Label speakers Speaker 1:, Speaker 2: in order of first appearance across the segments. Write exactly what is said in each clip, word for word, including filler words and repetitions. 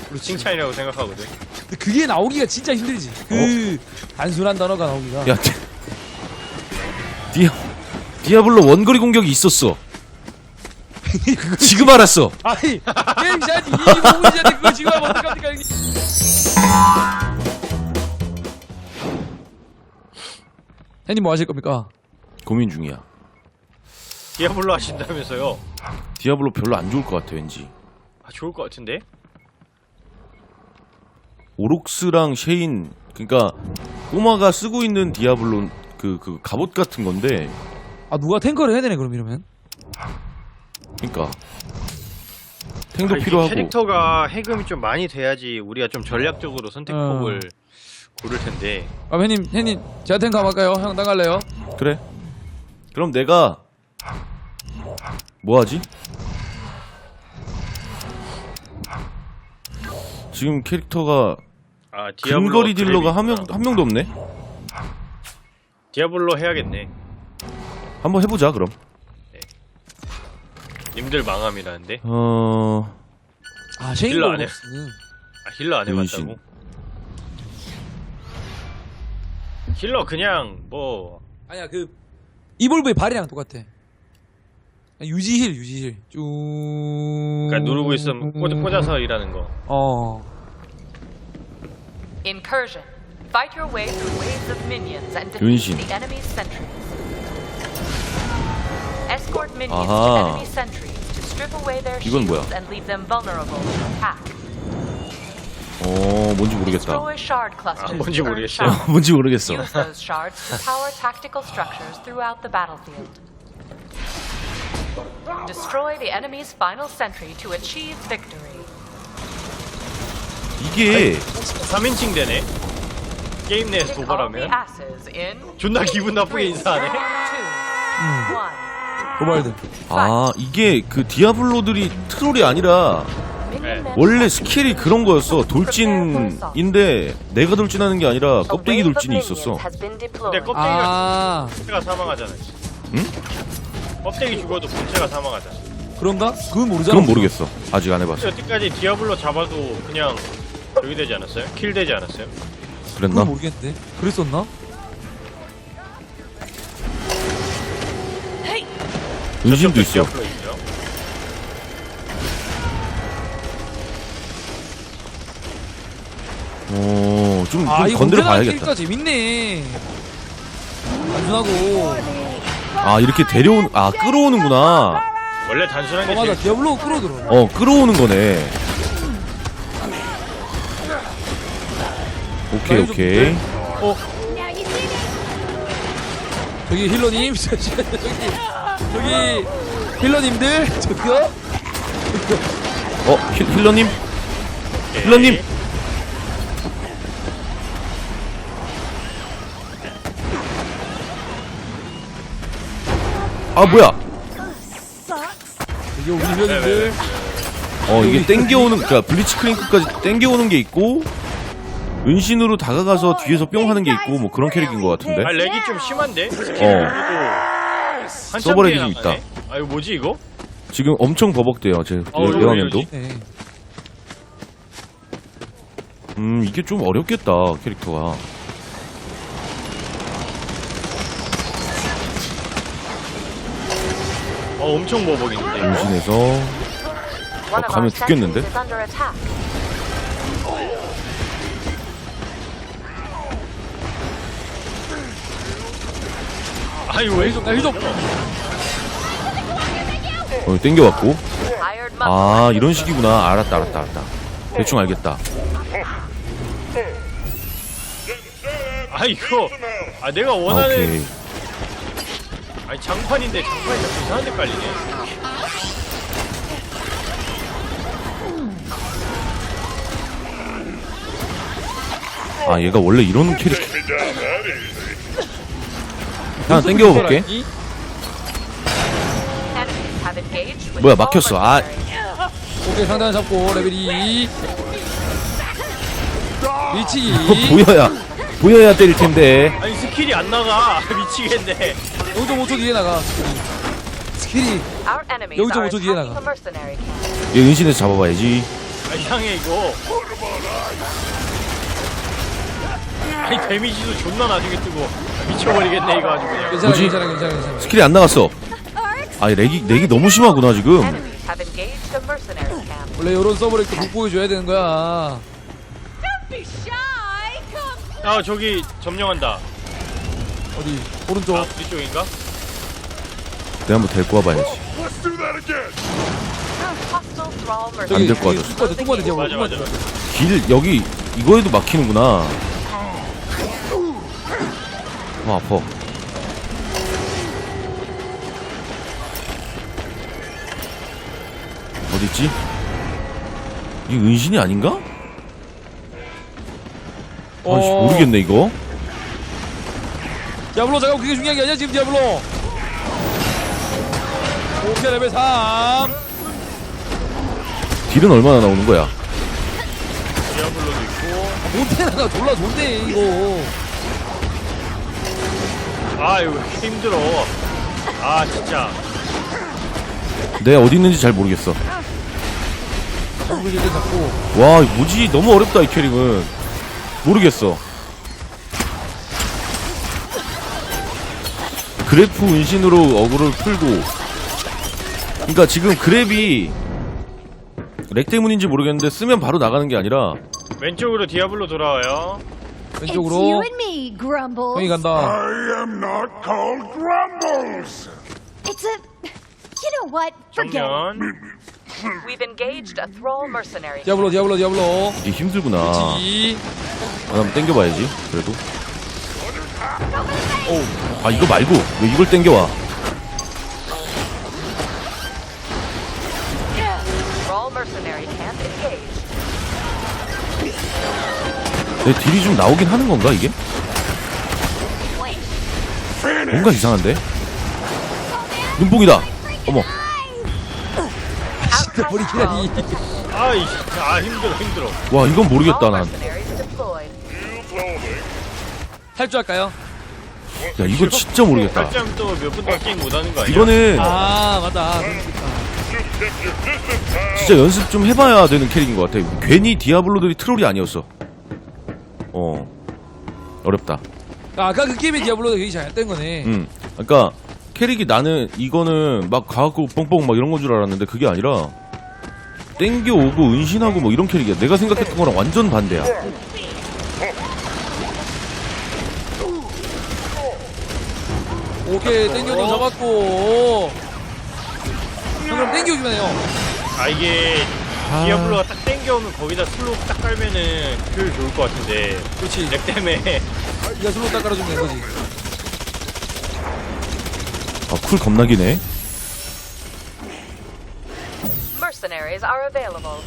Speaker 1: 칭찬이라고 생각하거든.
Speaker 2: 근데 그게 나오기가 진짜 힘들지. 그 단순한 단어가 나오기가.
Speaker 3: 야, 디, 디아, 디아블로 원거리 공격이 있었어. 지금 알았어.
Speaker 2: 아니 게임 시간이 이십오 분이잖아. 그거 지금 하면 어떡합니까 형님. 형님 뭐 하실 겁니까?
Speaker 3: 고민 중이야.
Speaker 1: 디아블로 하신다면서요?
Speaker 3: 디아블로 별로 안 좋을 것 같아, 왠지.
Speaker 1: 아, 좋을 것 같은데?
Speaker 3: 오록스랑 쉐인, 그니까, 꼬마가 쓰고 있는 디아블로, 그, 그, 갑옷 같은 건데,
Speaker 2: 아 누가 탱커를 해야 되네 그럼 이러면.
Speaker 3: 그니까. 탱도
Speaker 1: 아, 이게
Speaker 3: 필요하고.
Speaker 1: 캐릭터가 해금이 좀 많이 돼야지 우리가 좀 전략적으로 선택법을
Speaker 2: 어.
Speaker 1: 고를 텐데.
Speaker 2: 아 형님 형님 제가 탱커 한번 할까요? 형 나갈래요?
Speaker 3: 그래. 그럼 내가, 뭐 하지? 지금 캐릭터가,
Speaker 1: 아, 디아블로
Speaker 3: 근거리 딜러가 한 명,
Speaker 1: 드랩이구나.
Speaker 3: 한 명도 없네?
Speaker 1: 디아블로 해야겠네.
Speaker 3: 한번 해보자, 그럼.
Speaker 1: 님들 망함이라는데.
Speaker 3: 어,
Speaker 2: 아 쉐인
Speaker 1: 힐러 안 해.
Speaker 2: 오록스.
Speaker 1: 아, 힐러 안
Speaker 3: 윤신.
Speaker 1: 해봤다고? 힐러 그냥 뭐
Speaker 2: 아니야 그 이볼브의 발이랑 똑같아. 유지힐 유지힐 쭉.
Speaker 1: 그러니까 누르고 있으면 꽂, 꽂아서 일하는 거.
Speaker 2: 어.
Speaker 4: Incursion. Fight your way through waves of minions and defeat
Speaker 3: 윤신.
Speaker 4: the enemy's sentries. Escort minions
Speaker 3: 아하.
Speaker 4: to enemy sentries to strip away their
Speaker 3: 이건 뭐야?
Speaker 4: shields and leave them vulnerable to attack.
Speaker 3: 어, 뭔지 모르겠다.
Speaker 4: Destroy shard clusters.
Speaker 1: 아, 뭔지
Speaker 4: to earn
Speaker 1: 모르겠어요.
Speaker 4: shards.
Speaker 3: 뭔지 모르겠어.
Speaker 4: Use those shards to power tactical structures throughout the battlefield. Destroy the enemy's final sentry to achieve victory.
Speaker 3: 이게,
Speaker 1: 삼인칭 되네. 게임 내에서
Speaker 4: Kick all the
Speaker 1: 도발하면
Speaker 4: asses in
Speaker 1: 존나 기분 나쁘게 인사하네.
Speaker 4: two, one.
Speaker 2: 도발드.
Speaker 3: 아, 이게 그 디아블로들이 트롤이 아니라,
Speaker 4: Minion men
Speaker 3: 원래 스킬이 그런 거였어. 돌진인데, 내가 돌진하는 게 아니라 껍데기 돌진이 있었어.
Speaker 1: 근데
Speaker 4: 근데
Speaker 1: 껍데기가
Speaker 2: 아
Speaker 1: 본체가 사망하잖아.
Speaker 3: 응?
Speaker 1: 껍데기 죽어도 본체가 사망하잖아.
Speaker 2: 그런가? 그건 모르잖아.
Speaker 3: 그건 모르겠어. 아직 안 해봤어.
Speaker 1: 여태까지 디아블로 잡아도 그냥 여기 되지 않았어요? 킬 되지 않았어요?
Speaker 3: 그랬나?
Speaker 2: 그건 모르겠는데. 그랬었나?
Speaker 3: 은신도 있어.
Speaker 1: 디아블로 있죠?
Speaker 3: 어, 좀,
Speaker 2: 아
Speaker 3: 좀
Speaker 2: 이거
Speaker 3: 건드려
Speaker 2: 캐릭터
Speaker 3: 봐야겠다.
Speaker 2: 재밌네. 단순하고.
Speaker 3: 아, 이렇게 데려온, 아, 끌어오는구나.
Speaker 1: 원래 단순한 게
Speaker 2: 어 맞아
Speaker 1: 제일
Speaker 2: 디아블로 끌어들어.
Speaker 3: 어, 끌어오는 거네. 오케이, 오케이.
Speaker 2: 어. 저기 힐러님, 저기 저기 힐러님들 저기요.
Speaker 3: 어, 힐, 힐러님? 힐러님! 아, 뭐야?
Speaker 2: 저기 우리 힐러님들.
Speaker 3: 어, 이게 땡겨오는, 그니까, 블리치 크링크까지 땡겨오는 게 있고, 은신으로 다가가서 뒤에서 뿅 하는 게 있고, 뭐 그런 캐릭인 것 같은데?
Speaker 1: 아 렉이 좀 심한데? 스킬을
Speaker 3: 어.
Speaker 1: 한참
Speaker 3: 서버렉이
Speaker 1: 뒤에
Speaker 3: 좀
Speaker 1: 나가네?
Speaker 3: 있다.
Speaker 1: 아 이거 뭐지 이거?
Speaker 3: 지금 엄청 버벅대요, 제
Speaker 1: 어, 이거
Speaker 3: 여화면도.
Speaker 1: 이거지.
Speaker 2: 네.
Speaker 3: 음, 이게 좀 어렵겠다, 캐릭터가.
Speaker 1: 어 엄청 버벅인데 이거?
Speaker 3: 은신에서, 어, 가면 죽겠는데?
Speaker 1: 아 이거 왜
Speaker 2: 나 힐좀.
Speaker 3: 어, 땡겨왔고. 아, 이런 식이구나. 알았다, 알았다, 알았다. 대충 알겠다.
Speaker 1: 아 이거 아 내가
Speaker 3: 아,
Speaker 1: 원하는
Speaker 3: 오케이.
Speaker 1: 아니 장판인데 장판이 자꾸 이상한데 깔리네.
Speaker 3: 아, 얘가 원래 이런 캐릭터. 하나 땡겨볼게. 뭐야, 막혔어. 아,
Speaker 2: 오케이 상단 잡고 레벨 이. 밀치기.
Speaker 3: 보여야, 보여야 때릴 텐데.
Speaker 1: 아니 스킬이 안 나가. 미치겠네.
Speaker 2: 영 점 오 초 뒤에 나가. 스킬이.
Speaker 4: 여기서
Speaker 2: 오 초 뒤에 나가.
Speaker 3: 얘 은신에서 잡아봐야지.
Speaker 1: 아, 이상해 이거. 아니 데미지도 존나 나중에 뜨고 아, 미쳐버리겠네 이거 아주 그냥.
Speaker 2: 괜찮아
Speaker 3: 뭐지?
Speaker 2: 괜찮아 괜찮아 괜찮아.
Speaker 3: 스킬이 안 나갔어. 아 렉이 렉이 너무 심하구나 지금.
Speaker 4: Enemies have engaged a mercenary camp.
Speaker 2: 원래 이런 서버를 이렇게 못 보여줘야 되는 거야.
Speaker 1: 아 저기 점령한다.
Speaker 2: 어디 오른쪽.
Speaker 1: 아 우리 쪽인가?
Speaker 3: 내가 한번 데리고 와봐야지.
Speaker 4: Hostile thrall
Speaker 2: 저기
Speaker 3: 안 될
Speaker 4: mercenaries.
Speaker 3: 것 같아.
Speaker 2: 뚱바드 뚱바드 디아블로
Speaker 1: 맞아 맞아.
Speaker 2: 뚱바드.
Speaker 3: 길 여기 이거에도 막히는구나. 어 아파. 어딨지? 이게 은신이 아닌가? 아이씨
Speaker 2: 어.
Speaker 3: 모르겠네 이거.
Speaker 2: 디아블로 잠깐 그게 중요한 게 아니야 지금 디아블로. 오케이 레벨 삼.
Speaker 3: 딜은 얼마나 나오는 거야?
Speaker 1: 디아블로도 있고.
Speaker 2: 몬테나가 졸라 좋네 이거.
Speaker 1: 아 이거 왜 이렇게 힘들어. 아 진짜.
Speaker 3: 내가 어디 있는지 잘 모르겠어.
Speaker 2: 정글 일단 잡고.
Speaker 3: 와 뭐지 너무 어렵다 이 캐릭은. 모르겠어. 그래프 은신으로 어그를 풀고. 그러니까 지금 그랩이 렉 때문인지 모르겠는데 쓰면 바로 나가는 게 아니라
Speaker 1: 왼쪽으로 디아블로 돌아와요.
Speaker 5: It's you
Speaker 2: 왼쪽으로.
Speaker 5: and me, Grumbles.
Speaker 2: 형이 간다.
Speaker 6: I am not called Grumbles.
Speaker 5: It's a. You know what? Forget it.
Speaker 1: 정면.
Speaker 4: We've engaged a thrall mercenary.
Speaker 2: 디아블로 디아블로 디아블로.
Speaker 3: 이게 힘들구나.
Speaker 2: 지.
Speaker 3: 아, 한번 땡겨봐야지 그래도. 아 이거 말고 왜 이걸 땡겨와.
Speaker 4: Thrall mercenary camp engaged.
Speaker 3: 내 딜이 좀 나오긴 하는 건가 이게? 뭔가 이상한데? 눈뽕이다. 어머.
Speaker 2: 진짜 머리 기다리.
Speaker 1: 아이 아 힘들어 힘들어.
Speaker 3: 와 이건 모르겠다
Speaker 4: Thrall
Speaker 3: 난.
Speaker 4: mercenaries deployed.
Speaker 2: 할 줄 알까요?
Speaker 3: 야 이거 진짜 모르겠다.
Speaker 1: 살짝 또몇 분 동안 게임 못하는 거 아니야?
Speaker 3: 이거는
Speaker 2: 아 맞다. 그럴 수 있다.
Speaker 3: 진짜 연습 좀 해봐야 되는 캐릭인 것 같아. 괜히 디아블로들이 트롤이 아니었어. 어 어렵다.
Speaker 2: 아, 아까 그 게임의 디아블로가 되게 잘했던 거네.
Speaker 3: 음 그러니까 캐릭이 나는 이거는 막 가갖고 뻥뻥 막 이런 건 줄 알았는데 그게 아니라 땡겨오고 은신하고 뭐 이런 캐릭이야. 내가 생각했던 거랑 완전 반대야.
Speaker 2: 오케이 땡겨도 잡았고. 그럼 땡겨주면 해요.
Speaker 1: 아 이게
Speaker 3: 아.
Speaker 1: 디아블로가 딱 땡겨오면 거기다 슬로우 딱 깔면은 효율 좋을 것 같은데
Speaker 2: 그렇지.
Speaker 1: 렉 때문에
Speaker 2: 네가 슬로우 딱 깔아주면 되는 거지.
Speaker 3: 아 쿨 겁나기네.
Speaker 4: Mercenaries are available.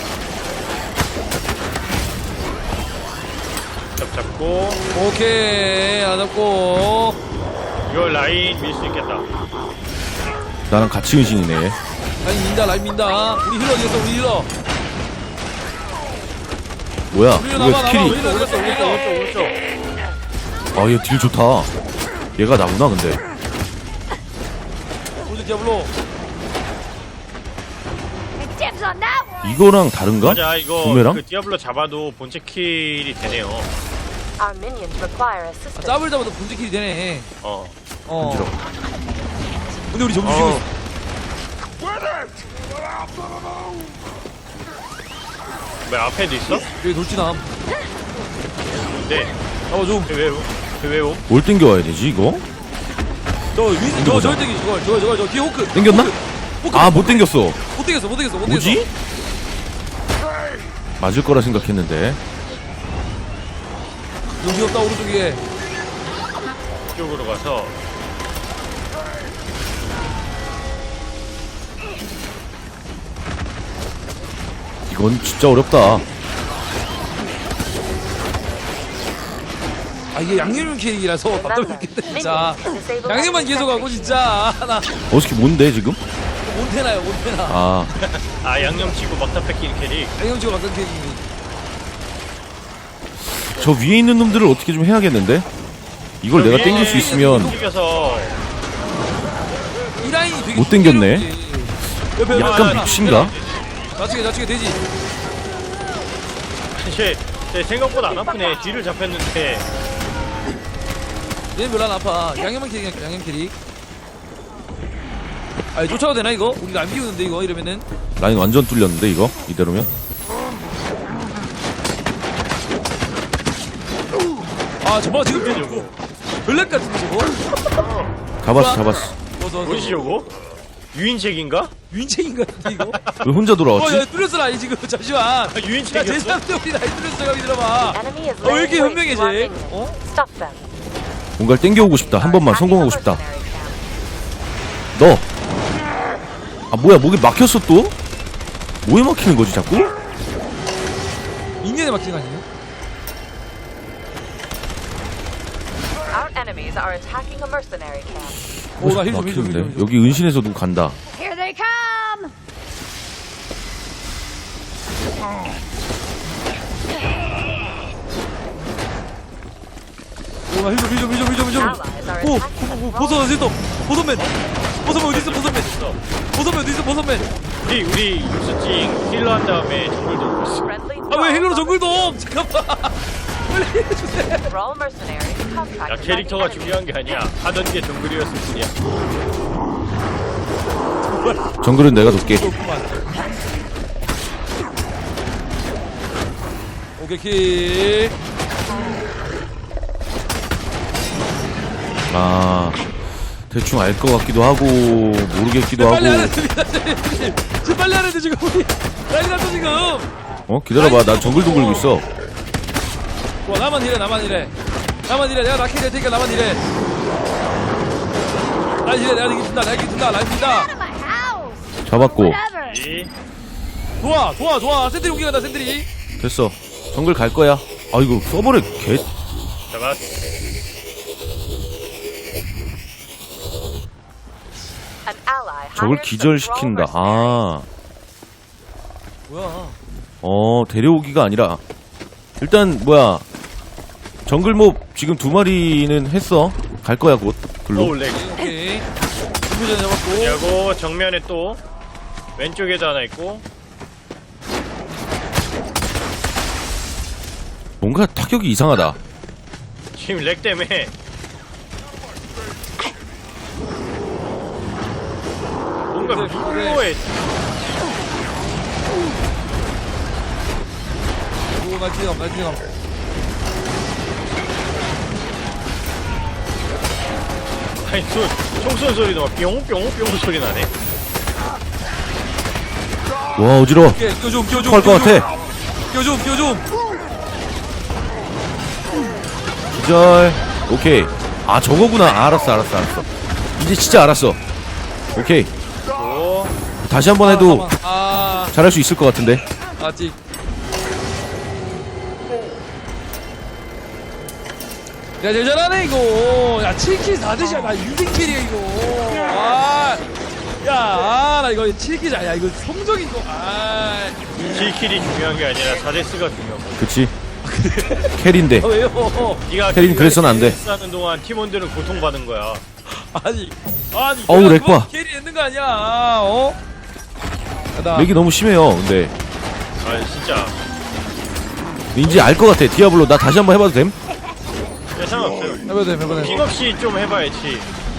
Speaker 1: 잡 잡고
Speaker 2: 오케이 안 잡고.
Speaker 1: 이거 라인 밀 수 있겠다.
Speaker 3: 나랑 같이 은신이네.
Speaker 2: 라인 민다 라인 민다. 우리 힐러 어디갔어 우리 힐러.
Speaker 3: 뭐야
Speaker 2: 우리 힐러
Speaker 3: 이거
Speaker 2: 남아 남아. 우리
Speaker 3: 스킬이.
Speaker 2: 힐러 어디갔어 우리 힐러.
Speaker 1: 오른쪽 오른쪽.
Speaker 3: 아 얘 딜 좋다. 얘가 나구나 근데.
Speaker 2: 우리 디아블로.
Speaker 5: Dibs on that one.
Speaker 3: 이거랑 다른가?
Speaker 1: 맞아 이거
Speaker 3: 부메랑?
Speaker 1: 그 디아블로 잡아도 본체 킬이 되네요.
Speaker 4: Our minions require
Speaker 2: 아,
Speaker 4: assistance.
Speaker 2: 짭을 잡아도 분지킬이 되네.
Speaker 1: 어.
Speaker 2: 어.
Speaker 3: 간지러워.
Speaker 2: 근데 우리 점수
Speaker 1: 어.
Speaker 2: 지고 있어.
Speaker 6: With it!
Speaker 1: 왜 앞에도 있어?
Speaker 2: 여기 돌진함.
Speaker 1: 근데
Speaker 2: 잡아줌.
Speaker 1: 왜 왜 왜?
Speaker 3: 뭘 땡겨와야 되지 이거?
Speaker 2: 저 위, 저, 저 땡기, 저거, 저거, 저거, 저 뒤에 호크.
Speaker 3: 땡겼나?
Speaker 2: 호크.
Speaker 3: 아 못 땡겼어.
Speaker 2: 못 땡겼어, 못 땡겼어, 못 땡겼어.
Speaker 3: 뭐지? 맞을 거라 생각했는데.
Speaker 2: 여기 없다, 오른쪽에.
Speaker 1: 이쪽으로 가서
Speaker 3: 이건 진짜 어렵다.
Speaker 2: 아, 이게 양념 캐릭이라서 답답해 죽겠다, 진짜. 양념만 계속 하고, 진짜. 아, 나,
Speaker 3: 어떻게 뭔데 지금?
Speaker 2: 몬테나요, 몬테나.
Speaker 3: 아
Speaker 1: 아 양념 치고 막다 뺏기는 캐릭.
Speaker 2: 양념 치고 막던 캐릭이.
Speaker 3: 저 위에 있는 놈들을 어떻게 좀 해야겠는데? 이걸 내가 땡길 수 있으면
Speaker 1: 땡겨서
Speaker 2: 이 라인이 되게.
Speaker 3: 못 땡겼네.
Speaker 2: 힘들었지. 옆에
Speaker 3: 약간
Speaker 2: 옆에
Speaker 3: 밉신가?
Speaker 2: 좌측에, 좌측에 되지.
Speaker 1: 쟤, 쟤 생각보다 안 아프네. 뒤를 잡혔는데.
Speaker 2: 얘는 별로 안 아파. 양념만 캐릭, 양념 캐릭. 아니, 쫓아도 되나, 이거? 우리가 안 비우는데, 이거, 이러면은.
Speaker 3: 라인 완전 뚫렸는데 이거 이대로면.
Speaker 2: 아, 저거 지금 저거. 블랙 같은데, 저거?
Speaker 3: 잡았어 잡았어.
Speaker 2: 어, 저, 저,
Speaker 1: 뭐지 저거? 유인책인가?
Speaker 2: 윤책인 같은데, 이거?
Speaker 3: 왜 혼자
Speaker 2: 어,
Speaker 3: 돌아왔지?
Speaker 2: 야, 뚫렸어, 라인 지금. 잠시만.
Speaker 1: 아,
Speaker 2: 야,
Speaker 1: 유인책이었어?
Speaker 2: 제사한테 우리 라인 뚫렸어, 가기 들어봐.
Speaker 4: Enemy is
Speaker 2: 어, 왜 이렇게
Speaker 4: laying
Speaker 2: 현명해,
Speaker 4: waste to our
Speaker 2: 쟤?
Speaker 4: minions.
Speaker 2: 어?
Speaker 4: Stop them.
Speaker 3: 뭔가를 땡겨오고 싶다. 한 번만 성공하고 싶다.
Speaker 4: Mercenary camp.
Speaker 3: 너. 아 뭐야 목이 막혔어 또? 뭐에 막히는 거지 자꾸?
Speaker 2: 인연에 막히는 거 아니에요?
Speaker 4: Our enemies are attacking a mercenary camp.
Speaker 2: 오, 나 힐 좀, 힐 좀, 힐 좀, 힐
Speaker 3: 막히는데
Speaker 2: 좀.
Speaker 3: 여기 은신에서 누구 간다.
Speaker 5: Here they come.
Speaker 2: 오, 나 힐 좀, 힐 좀, 힐 좀, 힐 좀, 힐 좀.
Speaker 4: Allies are
Speaker 2: 오,
Speaker 4: attacking
Speaker 2: 오,
Speaker 4: a
Speaker 2: 오, 보선 어디 있어? 보선맨. 보선맨 어디 있어? 보선맨.
Speaker 1: 있어.
Speaker 2: 보선맨 어디 있어? 보선맨.
Speaker 1: 우리 우리 육수찡 힐러 한 다음에 정글 돌고 있어.
Speaker 4: friendly
Speaker 2: 아, 왜 힐러로
Speaker 4: thralls
Speaker 2: 정글돔? 잠깐만. 빨리 해주세요.
Speaker 4: Thrall mercenaries
Speaker 1: 야
Speaker 4: contracted by the
Speaker 1: 캐릭터가
Speaker 4: enemy.
Speaker 1: 중요한 게 아니야. 하던 게 정글이었을 뿐이야.
Speaker 3: 정글은 내가 돕게.
Speaker 2: 오케이, 킬.
Speaker 3: 아 대충 알 것 같기도 하고 모르겠기도 하고.
Speaker 2: 빨리 하는데, 지금 빨리 하는데, 지금 우리. 라인 났어, 지금.
Speaker 3: 어 기다려봐 난 정글 동글고 있어.
Speaker 2: 와, 나만 이래, 나만 이래. 나만 이래. 내가 라켓 될 테니까 나만 이래. 라인 이래, 내가 이긴다, 내가 이긴다, 라인 이긴다.
Speaker 5: Out of my house.
Speaker 3: 잡았고
Speaker 5: Whatever.
Speaker 1: 이
Speaker 2: 좋아, 좋아, 좋아. 샌들이 공격한다, 샌들이.
Speaker 3: 됐어. 정글 갈 거야. 아 이거 서버에 개.
Speaker 1: 잡았어.
Speaker 4: An ally
Speaker 3: 저걸
Speaker 4: hired some
Speaker 3: 기절시킨다.
Speaker 4: thrall mercenaries.
Speaker 3: 아.
Speaker 2: 뭐야.
Speaker 3: 어 데려오기가 아니라 일단 뭐야 정글몹 지금 두 마리는 했어. 갈 거야 곧 글로.
Speaker 1: 오우 렉.
Speaker 2: 오케이. 준비전 잡았고.
Speaker 1: 그리고 정면에 또 왼쪽에도 하나 있고.
Speaker 3: 뭔가 타격이 이상하다.
Speaker 1: 지금 렉 때문에 뭔가
Speaker 2: 그래,
Speaker 1: 미묘해.
Speaker 2: 오, 나 기대감, 나 기대감.
Speaker 1: 아니 소, 총 쏘는 소리도 막 뿅뿅뿅 소리 나네.
Speaker 3: 와 어지러워.
Speaker 2: 오케이, 끼워좀, 끼워좀.
Speaker 3: 할것 같아.
Speaker 2: 끼워좀, 끼워좀.
Speaker 3: 기절. 오케이. 아 저거구나. 아, 알았어 알았어 알았어. 이제 진짜 알았어. 오케이.
Speaker 1: 또
Speaker 3: 다시 한번 해도
Speaker 2: 아,
Speaker 3: 잘할 수 있을 것 같은데.
Speaker 2: 아직. 야, 제일 잘하네, 이거. 야, 칠 킬 사 대시야. 나 인생 킬이야, 이거. 아, 야, 아, 나 이거 칠 킬 야, 이거 성적 이거. 아,
Speaker 1: 킬킬이 중요한 게 아니라 사데스가 중요한 거야.
Speaker 3: 그치. 캐리인데.
Speaker 2: 아, 왜요?
Speaker 1: 네가
Speaker 3: 캐리는 그래서는 안 돼.
Speaker 1: 하는 동안 팀원들은 고통받은 거야.
Speaker 2: 아니, 아니.
Speaker 3: 어우,
Speaker 2: 내가
Speaker 3: 렉 봐.
Speaker 2: 그거 캐리 했는 거 아니야, 어? 야, 나.
Speaker 3: 맥이 너무 심해요. 근데
Speaker 1: 아 진짜.
Speaker 3: 이제 알 것 같아. 디아블로 나 다시 한번 해봐도 됨?
Speaker 1: 야, 상관없어요.
Speaker 2: 해봐도 돼, 해봐도 돼.
Speaker 1: 픽없이 좀 해봐야지.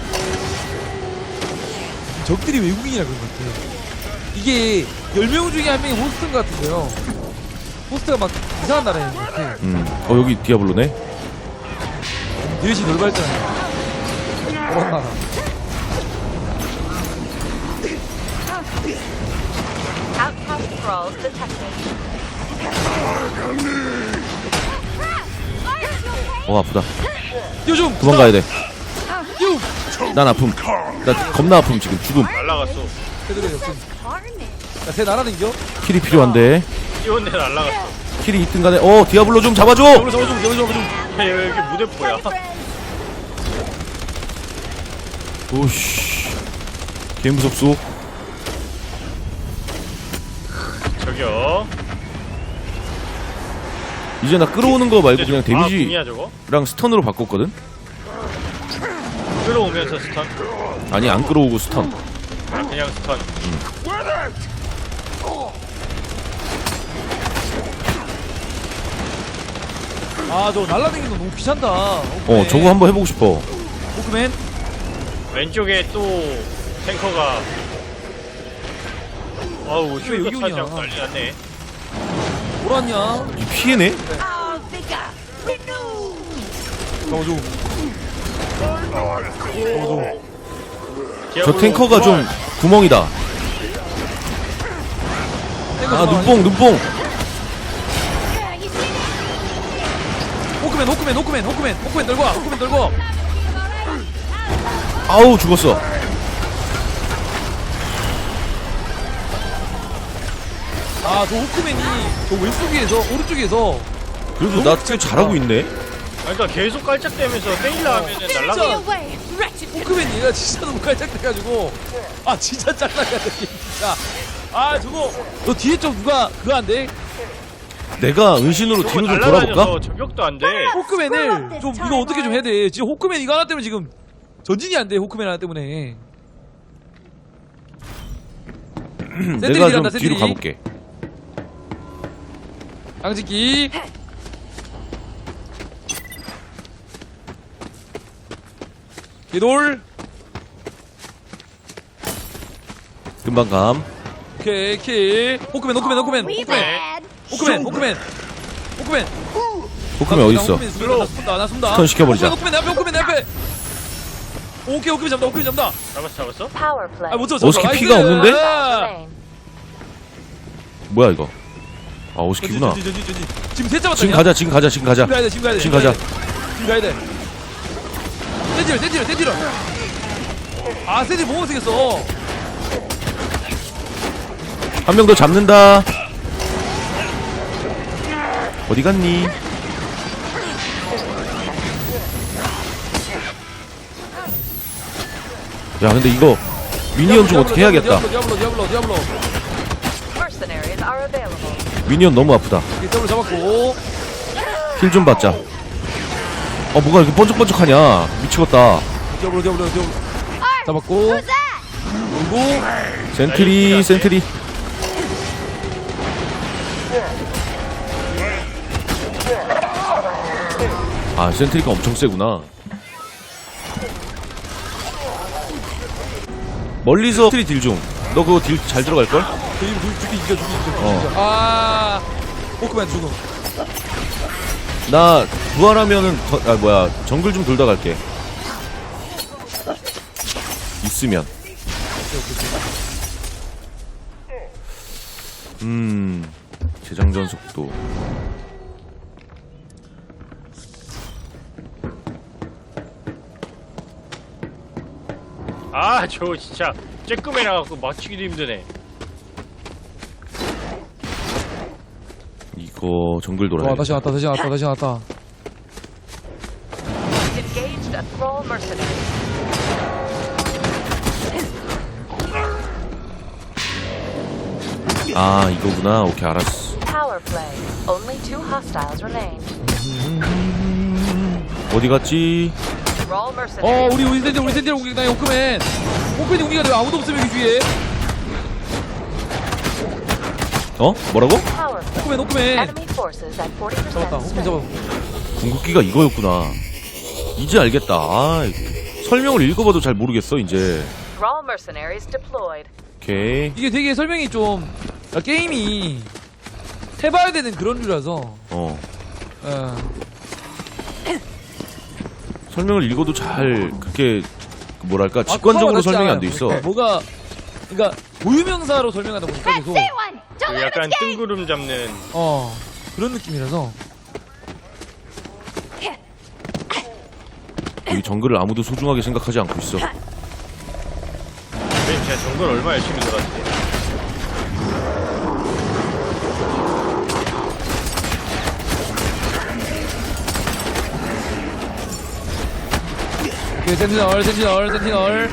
Speaker 2: 적들이 외국인이라 그런 것 같아. 이게 열 명 중에 한 명이 호스트인 것 같은데요. 호스트가 막 이상한 나라인 것 같아.
Speaker 3: 음. 어 여기 디아블로네.
Speaker 2: 넷이 넓었잖아. 그런 나라.
Speaker 4: Outcast thralls detected.
Speaker 3: 어 아프다.
Speaker 2: 요즘
Speaker 3: 도망가야 돼.
Speaker 2: 요.
Speaker 3: 난 아픔. 나 겁나 아픔 지금 죽음.
Speaker 1: 날라갔어.
Speaker 2: 걔들이 없음. 야, 새 날아다니죠?
Speaker 3: 킬이 필요한데.
Speaker 1: 뛰어내 날라갔어.
Speaker 3: 킬이 있든 간에 어 디아블로 좀 잡아줘.
Speaker 2: 잡아줘, 잡아줘, 잡아줘, 잡아줘.
Speaker 1: 야, 여기 무대포야.
Speaker 3: 오씨. 개 무섭소.
Speaker 1: 저기요.
Speaker 3: 이제 나 끌어오는 거 말고 그냥
Speaker 1: 아,
Speaker 3: 데미지랑
Speaker 1: 궁이야 저거?
Speaker 3: 스턴으로 바꿨거든.
Speaker 1: 끌어오면서 스턴.
Speaker 3: 아니 안 끌어오고 스턴.
Speaker 1: 아, 그냥 스턴.
Speaker 2: 아 저거 날라다니는 거 너무 귀찮다.
Speaker 3: 어 저거 한번 해보고 싶어.
Speaker 2: 호크맨.
Speaker 1: 왼쪽에 또 탱커가 아우
Speaker 2: 왜 여기
Speaker 1: 슈터
Speaker 2: 오냐?
Speaker 1: 차지하고 난리 났네.
Speaker 2: 뭐라냐?
Speaker 3: 이 피해네?
Speaker 5: Oh, vigor. Renew.
Speaker 2: 잡아줘.
Speaker 3: 저 탱커가 좀 구멍이다. 아 눈뽕 눈뽕.
Speaker 5: Yeah, you see that?
Speaker 2: 호크맨 호크맨 호크맨 호크맨 호크맨 들고 와. 호크맨 들고 와.
Speaker 3: 아우 죽었어.
Speaker 2: 아저 호크맨이 저 왼쪽에서 오른쪽에서
Speaker 3: 그래도 나 꽤 잘하고 있네.
Speaker 1: 그러니까 계속 깔짝대면서 때리려 하면은
Speaker 2: 진짜.
Speaker 1: 날라가.
Speaker 5: Away, wretched.
Speaker 2: 호크맨 얘가 진짜 너무 깔짝대가지고 아 진짜 짱나가네 진짜. 아 저거 너 뒤에 좀 누가 그거 안 돼?
Speaker 3: 내가 은신으로
Speaker 1: 저거
Speaker 3: 뒤로 좀 돌아볼까?
Speaker 1: 날라다녀서 저격도 안 돼.
Speaker 2: 호크맨을 좀 이거 어떻게 좀 해야 돼. 지금 호크맨 이거 하나 때문에 지금 전진이 안 돼. 호크맨 하나 때문에.
Speaker 3: 내가 좀 뒤로 가볼게.
Speaker 2: 양지기. 기돌.
Speaker 3: 금방 감.
Speaker 2: 오케이 킬. 호크맨 호크맨 호크맨
Speaker 5: We
Speaker 2: 호크맨
Speaker 5: bad.
Speaker 2: 호크맨 호크맨 호크맨.
Speaker 3: 호크맨 어딨어?
Speaker 2: 호크맨 쏜다, 나 쏜다 나 쏜다.
Speaker 3: 스턴 시켜버리자.
Speaker 2: 호크맨 내 앞에 호크맨 내 앞에. 오케이 호크맨 잡다 호크맨 잡다.
Speaker 1: 잡았어 잡았어?
Speaker 4: Power play.
Speaker 2: 아못 잡았어.
Speaker 3: 오스키
Speaker 2: 나이스.
Speaker 3: 피가 없는데?
Speaker 2: 아.
Speaker 4: Remain.
Speaker 3: 뭐야 이거? 아 오스키구나.
Speaker 2: 전진, 전진, 전진, 전진. 지금 셋 잡았다.
Speaker 3: 지금 가자 지금 가자 지금 가자.
Speaker 2: 지금 가야 돼 지금 가야 돼.
Speaker 3: 지금 가자.
Speaker 2: 지금 가야 돼. 센티럴 센티럴 센티럴. 아 센티럴 뭐 못생겼어.
Speaker 3: 한 명 더 잡는다. 어디 갔니? 야 근데 이거 미니언 좀 어떻게 해야겠다.
Speaker 2: 디아블로 디아블로 디아블로.
Speaker 4: Mercenaries are available.
Speaker 3: 미니언 너무 아프다.
Speaker 2: 오케이 더블 잡았고.
Speaker 3: 힐 좀 받자. 어 뭐가 이렇게 번쩍번쩍하냐. 미치겠다.
Speaker 2: 디아블로 디아블로 디아블로. 잡았고.
Speaker 5: Who's that?
Speaker 2: 그리고
Speaker 3: 센트리 센트리. 아 센트리가 엄청 세구나. 멀리서 센트리 딜 중. 너 그거 딜 잘 들어갈걸?
Speaker 2: 죽이 죽이 이겨 죽이 이겨.
Speaker 3: 어.
Speaker 2: 아 호크맨 죽음.
Speaker 3: 나 부활하면은 더, 아 뭐야 정글 좀 돌다 갈게. 있으면. 음 재장전 속도.
Speaker 1: 아 저 진짜 쬐끔해 나갖고 맞추기도 힘드네.
Speaker 3: 이거 정글 돌아야
Speaker 2: 와
Speaker 3: 돼.
Speaker 2: 다시 왔다 다시 왔다 다시 왔다.
Speaker 4: Engaged a thrall mercenary.
Speaker 3: 아 이거구나. 오케이 알았어.
Speaker 4: Power play. Only two hostiles remain.
Speaker 3: 어디 갔지?
Speaker 4: Thrall
Speaker 2: 어
Speaker 4: mercenary.
Speaker 2: 우리 우리 센티럴 우리 센티럴 공격 당해 호크맨. 호크맨이 공격이 돼. 아무도 없으면 여기 주위에.
Speaker 3: 어? 뭐라고?
Speaker 4: Power play.
Speaker 2: 호크맨 호크맨.
Speaker 4: Enemy forces at forty
Speaker 2: 잡았다.
Speaker 4: percent
Speaker 2: 호크맨 잡아.
Speaker 4: strength.
Speaker 3: 궁극기가 이거였구나. 이제 알겠다. 아, 설명을 읽어봐도 잘 모르겠어 이제.
Speaker 4: Thrall mercenaries deployed.
Speaker 3: 오케이.
Speaker 2: 이게 되게 설명이 좀 아, 게임이 해봐야 되는 그런 류라서.
Speaker 3: 어.
Speaker 2: 어.
Speaker 3: 설명을 읽어도 잘 그렇게 그 뭐랄까 직관적으로
Speaker 2: 아,
Speaker 3: 설명이 안
Speaker 2: 않아요.
Speaker 3: 돼 있어.
Speaker 2: 뭐가 그러니까 고유명사로 설명하다 보니까
Speaker 5: Let's
Speaker 2: 계속
Speaker 5: see one. Don't
Speaker 1: 그
Speaker 5: let
Speaker 1: 약간
Speaker 5: him escape.
Speaker 1: 뜬구름 잡는.
Speaker 2: 어 그런 느낌이라서.
Speaker 3: 이 정글을 아무도 소중하게 생각하지 않고 있어.
Speaker 1: 선생님 제가 정글 얼마 열심히 놀았는데.
Speaker 2: 오케이 센티널 센티널 센티널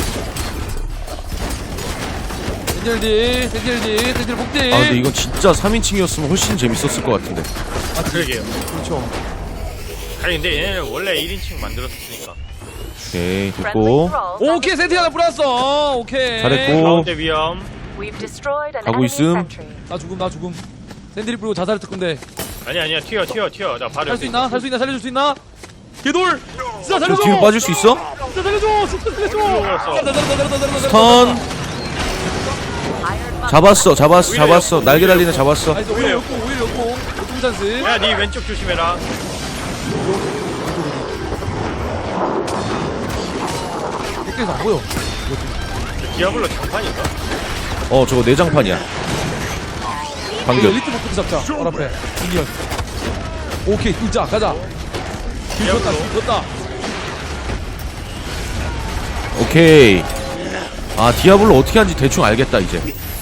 Speaker 2: 센티널 D 센티널 D 센티널 복디.
Speaker 3: 아 근데 이건 진짜 삼인칭이었으면 훨씬 재밌었을 것 같은데.
Speaker 1: 아 그러게요.
Speaker 2: 그렇죠.
Speaker 1: 아니 근데 얘네는 원래 일 인칭 만들었으니까.
Speaker 3: 오케이
Speaker 4: Friendly
Speaker 3: 됐고.
Speaker 4: thralls. have
Speaker 2: 오케이 센티 하나 뿌렸어. 오케이.
Speaker 3: 잘했고.
Speaker 1: 가운데 위험.
Speaker 4: We've destroyed an
Speaker 3: 가고
Speaker 4: enemy
Speaker 3: 있음.
Speaker 4: sentry.
Speaker 2: 나 죽음 나 죽음. 센트리 뿌리고 자살을 특근데.
Speaker 1: 아니 아니야 튀어 튀어 튀어 나 바로
Speaker 2: 살 수
Speaker 1: 여기
Speaker 2: 있나? 살 수 있나? 살려줄 수 있나? 개돌! 진짜
Speaker 3: 저
Speaker 2: 살려줘!
Speaker 3: 뒤로 빠질 수 있어?
Speaker 2: 진짜 살려줘! 진짜 살려줘!
Speaker 1: 들어왔어.
Speaker 2: 잘한다, 잘한다, 잘한다, 잘한다,
Speaker 3: 턴
Speaker 4: Iron
Speaker 3: 잡았어 잡았어 잡았어 날개 달리네 잡았어.
Speaker 2: 나이스, 오히려 역공, 오히려 역공. 역공 찬스.
Speaker 1: 야니 왼쪽 조심해라.
Speaker 2: 백대에서 안 보여.
Speaker 1: 저 디아블로 장판인가?
Speaker 3: 어 저거 내장판이야.
Speaker 2: 이거
Speaker 3: 방금
Speaker 2: 엘리트 목표도 잡자. 바로 앞에. 인디언. 오케이, 뚫자. 가자. 길 걷다, 길 걷다.
Speaker 3: 오케이. 아 디아블로 어떻게 하는지 대충 알겠다 이제.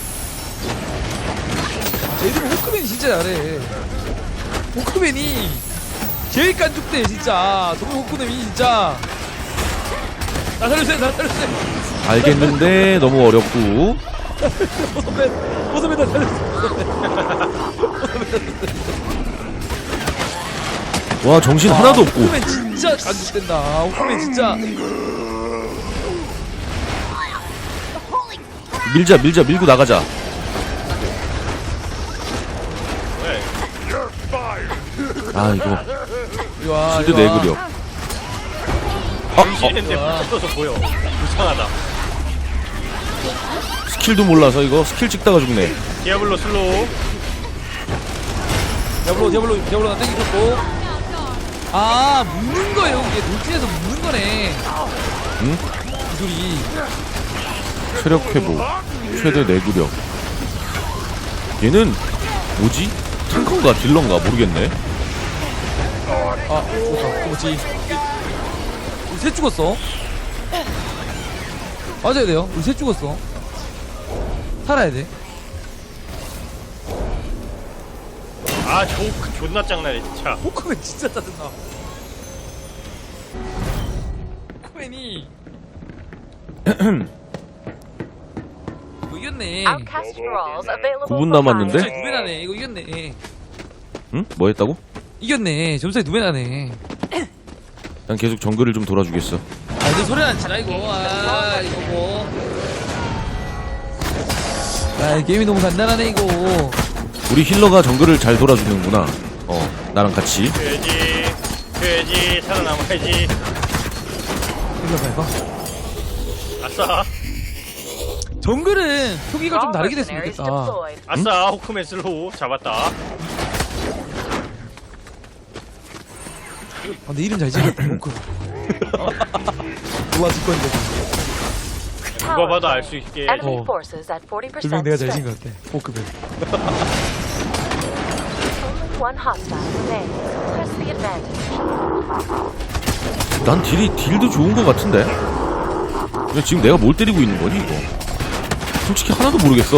Speaker 2: 얘들은 호크맨이 진짜 잘해. 호크맨이 제일 깐죽대 진짜. 저거 호크맨이 진짜. 나 살려주세요, 나 살려주세요.
Speaker 3: 알겠는데 너무 어렵고.
Speaker 2: 호서맨, 호서맨 나 살려주세요.
Speaker 3: 와 정신 하나도 없고.
Speaker 2: 호크맨 진짜 깐죽댄다. 호크맨 진짜.
Speaker 3: 밀자 밀자 밀고 나가자.
Speaker 1: 왜?
Speaker 3: 아 이거
Speaker 2: 이리 와,
Speaker 3: 실드
Speaker 2: 이리 와.
Speaker 3: 내구력. 아, 어,
Speaker 1: 정신인데 붙어서 보여. 불쌍하다.
Speaker 3: 스킬도 몰라서 이거 스킬 찍다가 죽네.
Speaker 1: 디아블로 슬로우.
Speaker 2: 디아블로, 디아블로, 디아블로 나 땡기셨고. 아, 묶는 거예요. 이게 돌진해서 묶는 거네.
Speaker 3: 응?
Speaker 2: 기술이.
Speaker 3: 체력 회복, 최대 내구력. 얘는 뭐지? 탱커인가 딜러인가 모르겠네.
Speaker 2: 아, 좋다. 그렇지. 우리 셋 죽었어. 맞아야 돼요. 우리 셋 죽었어. 살아야 돼.
Speaker 1: 아 조, 존나 짱나네 진짜.
Speaker 2: 호크맨 진짜 짜증나. 호크맨이 이거 이겼네.
Speaker 4: Outcast Thralls available
Speaker 3: 구 분
Speaker 4: for
Speaker 3: 남았는데?
Speaker 4: hire.
Speaker 2: 점수에 두 배 나네. 이거 이겼네.
Speaker 3: 응? 뭐 했다고?
Speaker 2: 이겼네. 점수에 두 배 나네.
Speaker 3: 난 계속 정글을 좀 돌아주겠어.
Speaker 2: 아, 이제 소리 안 치나 이거. 아, 이거 뭐. 아, 이 게임이 너무 간단하네 이거.
Speaker 3: 우리 힐러가 정글을 잘 돌아주는구나. 어, 나랑 같이.
Speaker 1: 돼지 돼지 살아남아야지.
Speaker 2: 이거 봐 이거.
Speaker 1: 아싸
Speaker 2: 정글은 표기가 좀
Speaker 4: Thrall
Speaker 2: 다르게 됐으면
Speaker 4: mercenaries
Speaker 2: 좋겠다.
Speaker 4: deployed.
Speaker 1: 아싸 호크맨 슬로우 잡았다.
Speaker 2: 아, 근데 이름 잘 지었다. 호크. 누가 질 건데.
Speaker 1: 누가 봐도 알 수 있게.
Speaker 4: Enemy
Speaker 2: 어.
Speaker 4: forces at forty
Speaker 2: 분명
Speaker 4: percent
Speaker 2: 내가 잘 지은
Speaker 4: strength.
Speaker 2: 것 같아. 호크맨.
Speaker 4: Only one hostile remains. Press the advantage.
Speaker 3: 난 딜이 딜도 좋은 것 같은데. 근데 지금 내가 뭘 때리고 있는 거니 이거? 솔직히 하나도 모르겠어.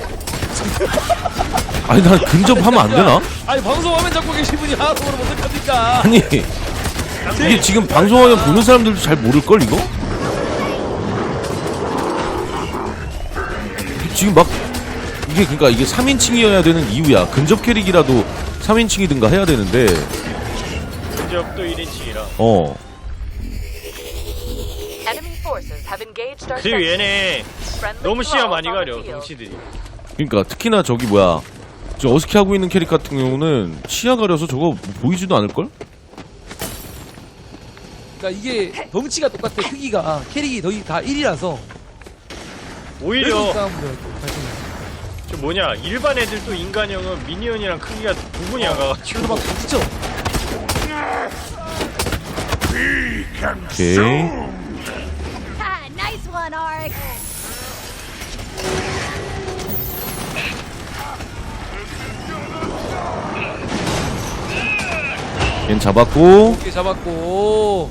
Speaker 3: 아니 난 근접하면 안 되나?
Speaker 2: 아니 방송 화면 잡고 계신 분이 하나도 모르면 어떡합니까?
Speaker 3: 아니 이게 지금 방송하면 보는 사람들도 잘 모를 걸 이거? 이게 지금 막 이게 그러니까 이게 삼인칭이어야 되는 이유야. 근접 캐릭이라도 삼인칭이든가 해야 되는데.
Speaker 1: 근접도 일 인칭이라.
Speaker 3: 어.
Speaker 4: Enemy forces have engaged our
Speaker 1: 그리고
Speaker 4: sentries.
Speaker 1: 얘네
Speaker 4: Friendly
Speaker 1: 너무 시야
Speaker 4: thralls
Speaker 1: 많이
Speaker 4: on the
Speaker 1: 가려
Speaker 4: field.
Speaker 1: 덩치들이.
Speaker 3: 그러니까 특히나 저기 뭐야 저 어스키 하고 있는 캐릭 같은 경우는 시야 가려서 저거 보이지도 않을 걸?
Speaker 2: 그러니까 이게 덩치가 똑같아. 크기가 캐릭이 거의 다 일이라서.
Speaker 1: 오히려
Speaker 2: 싸움을 발생해.
Speaker 1: 저 뭐냐 일반 애들도 인간형은 미니언이랑 크기가 구분이 안 가가지고
Speaker 2: 그래서 막 붙죠.
Speaker 6: We can
Speaker 3: 오케이.
Speaker 6: soon.
Speaker 5: Ah, nice one, Ark.
Speaker 3: 얜 잡았고.
Speaker 2: 이렇게 잡았고.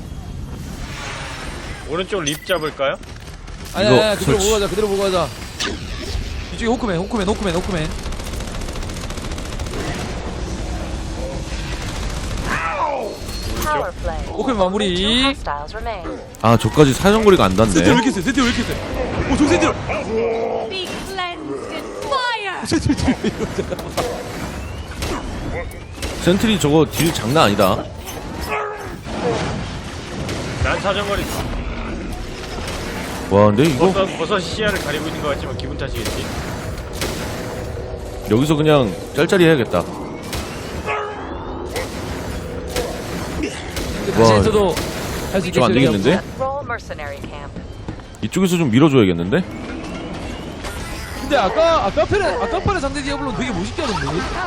Speaker 1: 오른쪽 립 잡을까요?
Speaker 2: 아니
Speaker 3: 이거
Speaker 2: 아니 그대로
Speaker 3: 설치.
Speaker 2: 보고 가자. 그대로 보고 가자. 이쪽에 호크맨 호크맨 호크맨 호크맨.
Speaker 4: Power play.
Speaker 2: 호크맨
Speaker 4: Only
Speaker 2: 마무리.
Speaker 4: two hostiles remain.
Speaker 3: 아 저까지 사정거리가 안
Speaker 2: 센티로 왜
Speaker 3: 닿네.
Speaker 2: 이렇게 세? 센티로 왜 이렇게 세? 오, 저 센티로.
Speaker 5: Be cleansed in fire.
Speaker 2: 센티로.
Speaker 3: 센트리 저거 딜 장난 아니다.
Speaker 1: 난 사정거리
Speaker 3: 와 근데 이거
Speaker 1: 버섯, 버섯 시야를 가리고 있는 것 같지만 기분 탓이겠지.
Speaker 3: 여기서 그냥 짤짤이 해야겠다.
Speaker 2: 그 다시에서도 할 수
Speaker 3: 좀 안
Speaker 2: 있겠어요.
Speaker 3: 되겠는데?
Speaker 4: Roll mercenary camp.
Speaker 3: 이쪽에서 좀 밀어줘야겠는데?
Speaker 2: 근데 아까 아까 편에 아까 편에 상대 디아블로 되게 멋있게 하던데.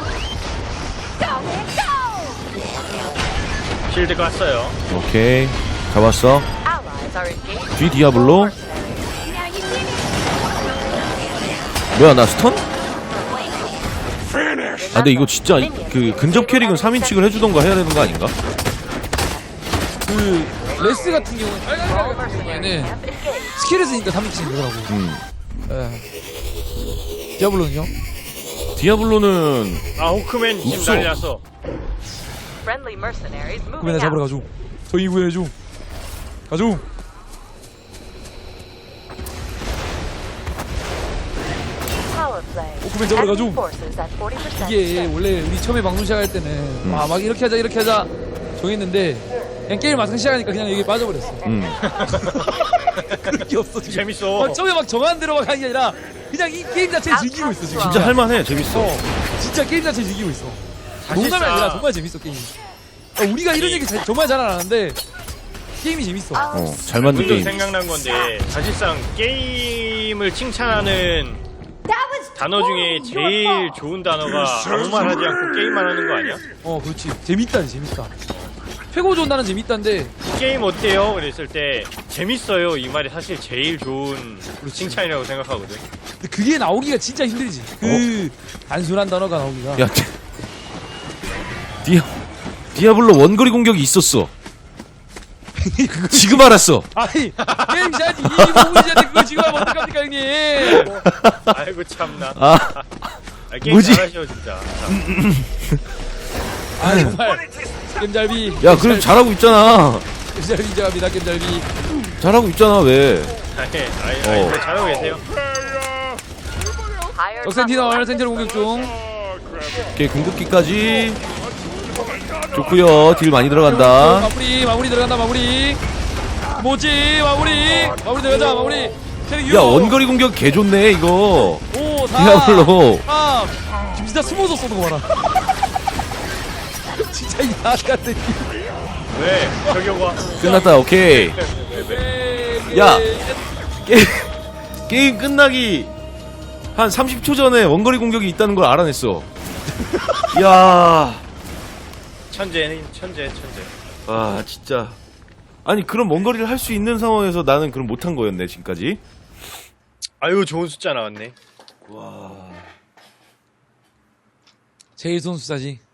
Speaker 1: 실드 깠어요.
Speaker 3: 오케이 잡았어.
Speaker 4: Allies are engaged.
Speaker 3: 뒤 디아블로.
Speaker 5: Now you see me?
Speaker 3: 뭐야 나 스턴?
Speaker 6: Finish.
Speaker 3: 아 근데 이거 진짜 그 근접 캐릭은 삼 인칭을 해주던가 해야 되는 거 아닌가?
Speaker 2: 그 레스 같은 경우는 빨간
Speaker 4: Roll
Speaker 2: 같은
Speaker 4: mercenary
Speaker 2: 경우에는
Speaker 4: camp engaged.
Speaker 2: 스킬을 쓰니까 삼 인칭 되더라고.
Speaker 3: 음.
Speaker 2: 예. 디아블로는요?
Speaker 3: 디아블로는
Speaker 1: 아 호크맨 지금
Speaker 3: 없어.
Speaker 1: 난리 났어.
Speaker 4: Friendly mercenaries moving
Speaker 2: 구매나 잡으러
Speaker 4: out.
Speaker 2: 가죠. 저희 구해줘. 가죠.
Speaker 4: Power play.
Speaker 2: 오크맨 잡으러 가죠.
Speaker 4: Enemy forces at forty percent.
Speaker 2: 이게 원래 우리 처음에 방송 시작할 때는
Speaker 3: 음.
Speaker 2: 아, 막 이렇게 하자 이렇게 하자 정했는데 그냥 게임 막상 시작하니까 그냥 여기 빠져버렸어.
Speaker 3: 음.
Speaker 2: 그런 게 없어 지금.
Speaker 1: 재밌어.
Speaker 2: 막 처음에 막 정한 대로 막 하는 게 아니라 그냥 이 게임 자체를 즐기고 있어 지금.
Speaker 3: 진짜 할만해 재밌어.
Speaker 2: 어, 진짜 게임 자체를 즐기고 있어. 농담이
Speaker 1: 사실상-
Speaker 2: 아니라 정말 재밌어 게임이. 어, 우리가 이런 얘기 자- 정말 잘 안 하는데 게임이 재밌어.
Speaker 3: 어, 잘 만든
Speaker 1: 문득
Speaker 3: 게임.
Speaker 1: 생각난 건데 사실상 게임을 칭찬하는
Speaker 5: That was
Speaker 1: 단어 중에 제일 좋은 단어가 아무 말 하지 않고 게임만 하는 거 아니야?
Speaker 2: 어 그렇지. 재밌다 재밌다. 최고 좋은 단어는 재밌다인데
Speaker 1: 게임 어때요? 그랬을 때 재밌어요 이 말이 사실 제일 좋은 칭찬이라고 생각하거든.
Speaker 2: 근데 그게 나오기가 진짜 힘들지. 그 단순한 단어가 나오기가.
Speaker 3: 야 디- 디아 디아블로 원거리 공격이 있었어. 지금 알았어.
Speaker 2: 아니 게임 시작이 이십오 분이잖아. 그거 지금 하면 어떡합니까 형님.
Speaker 1: 아이고 참나.
Speaker 3: 아
Speaker 1: 아, 게임
Speaker 3: 뭐지?
Speaker 1: 잘하셔 진짜.
Speaker 2: 아 정말 게임잘비.
Speaker 3: 야 그럼 잘하고 있잖아.
Speaker 2: 게임잘비 인정합니다. 게임잘비.
Speaker 3: 잘하고 있잖아 왜?
Speaker 1: 아니, 아니, 아니,
Speaker 3: 어.
Speaker 1: 잘하고 계세요.
Speaker 4: Higher
Speaker 2: 적 센티널
Speaker 4: top
Speaker 2: 센티널 공격 중.
Speaker 3: 오케이 궁극기까지 좋고요. 딜 많이 들어간다.
Speaker 2: 마무리 마무리 들어간다 마무리. 뭐지 마무리 마무리 들어가자 마무리.
Speaker 3: 야 원거리 공격 개 좋네 이거.
Speaker 2: 오 사.
Speaker 3: 디아블로.
Speaker 2: 삼. 지금 진짜 숨어서 쏘는 거 봐라. 진짜 이상한 같은.
Speaker 1: 왜? 저격와.
Speaker 3: 끝났다. 오케이. 야. 게임, 게임 끝나기 한 삼십 초 전에 원거리 공격이 있다는 걸 알아냈어. 야,
Speaker 1: 천재는 천재, 천재.
Speaker 3: 아 진짜. 아니 그런 원거리를 할 수 있는 상황에서 나는 그럼 못한 거였네 지금까지.
Speaker 1: 아유 좋은 숫자 나왔네.
Speaker 2: 제일 선수사지.